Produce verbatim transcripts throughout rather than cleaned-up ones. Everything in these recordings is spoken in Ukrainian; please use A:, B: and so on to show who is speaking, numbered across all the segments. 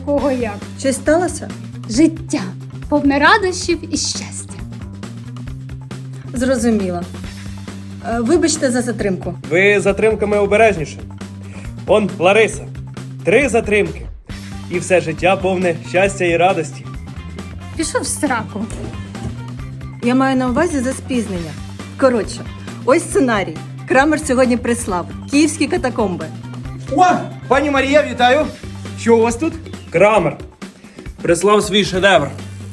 A: кого як.
B: Щось сталося?
A: Життя повне радощів і щастя.
B: Зрозуміла. Е, Вибачте за затримку.
C: Ви затримками обережніше. Он Лариса. Три затримки. І все життя повне щастя і радості.
A: Пішов в сраку.
B: Я маю на увазі за спізнення. Коротше, ось сценарій. Крамер сьогодні прислав. Київські катакомби.
D: О, пані Марія, вітаю! Що у вас тут?
C: Крамер прислав свій шедевр.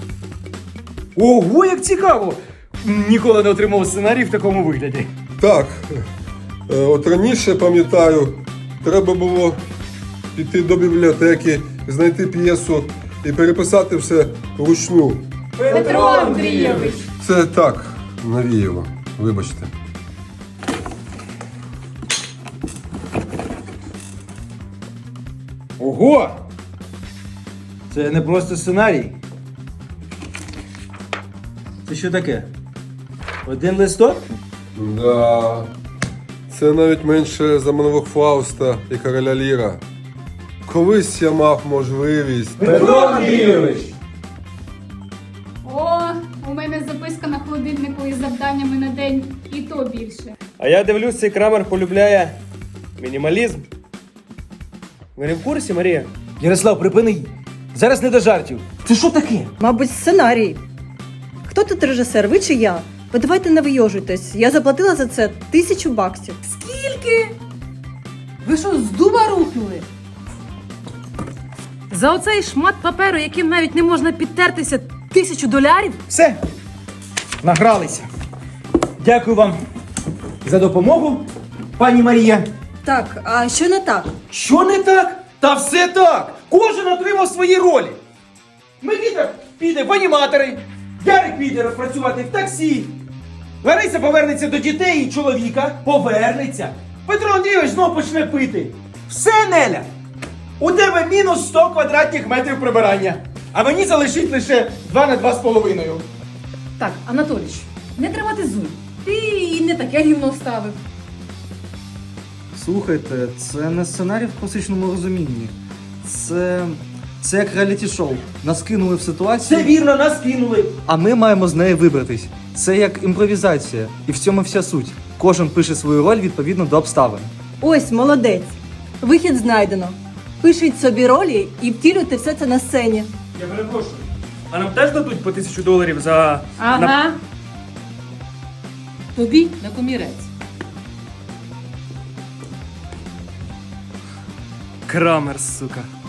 D: Ого, як цікаво! Ніколи не отримав сценарій в такому вигляді.
E: Так, е, от раніше, пам'ятаю, треба було піти до бібліотеки, знайти п'єсу і переписати все вручну.
A: Петро Андрійович.
E: Це так, навіяло, вибачте.
D: Ого! Це не просто сценарій. Це що таке? Один листок?
E: Да. Це навіть менше за монолог Фауста і короля Ліра. Колись я мав можливість.
D: Петро Андрійович!
A: О, у мене записка на холодильнику із завданнями на день, і то більше.
C: А я дивлюсь, цей Крамер полюбляє мінімалізм. Ви не в курсі, Марія?
D: Ярослав, припини! Зараз не до жартів. Це що таке?
B: Мабуть, сценарій. Хто тут режисер, ви чи я? Ви давайте не вийожуйтесь. Я заплатила за це тисячу баксів.
F: Скільки? Ви що, з дуба рухнули? За оцей шмат паперу, яким навіть не можна підтертися, тисячу долярів?
D: Все. Награлися. Дякую вам за допомогу, пані Марія.
B: Так, а що не так?
D: Що не так? Та все так! Кожен отримав свої ролі. Микита піде в аніматори, Ярик піде працювати в таксі, Лариса повернеться до дітей і чоловіка, повернеться. Петро Андрійович знов почне пити. Все, Неля! У тебе мінус сто квадратних метрів прибирання, а мені залишить лише два на два з половиною.
F: Так, Анатолійович, не драматизуй. Ти і не таке гівно вставив.
G: Слухайте, це не сценарій в класичному розумінні. Це. Це як реаліті-шоу. Нас кинули в ситуацію,
D: Все вірно, нас кинули.
G: а ми маємо з неї вибратись. Це як імпровізація. І в цьому вся суть. Кожен пише свою роль відповідно до обставин.
B: Ось, молодець. Вихід знайдено. Пишіть собі ролі і втілюйте все це на сцені.
C: Я перепрошую. А нам теж дадуть по тисячу доларів за...
F: Ага.
C: на-
F: Тобі на комірець.
C: Крамер, сука.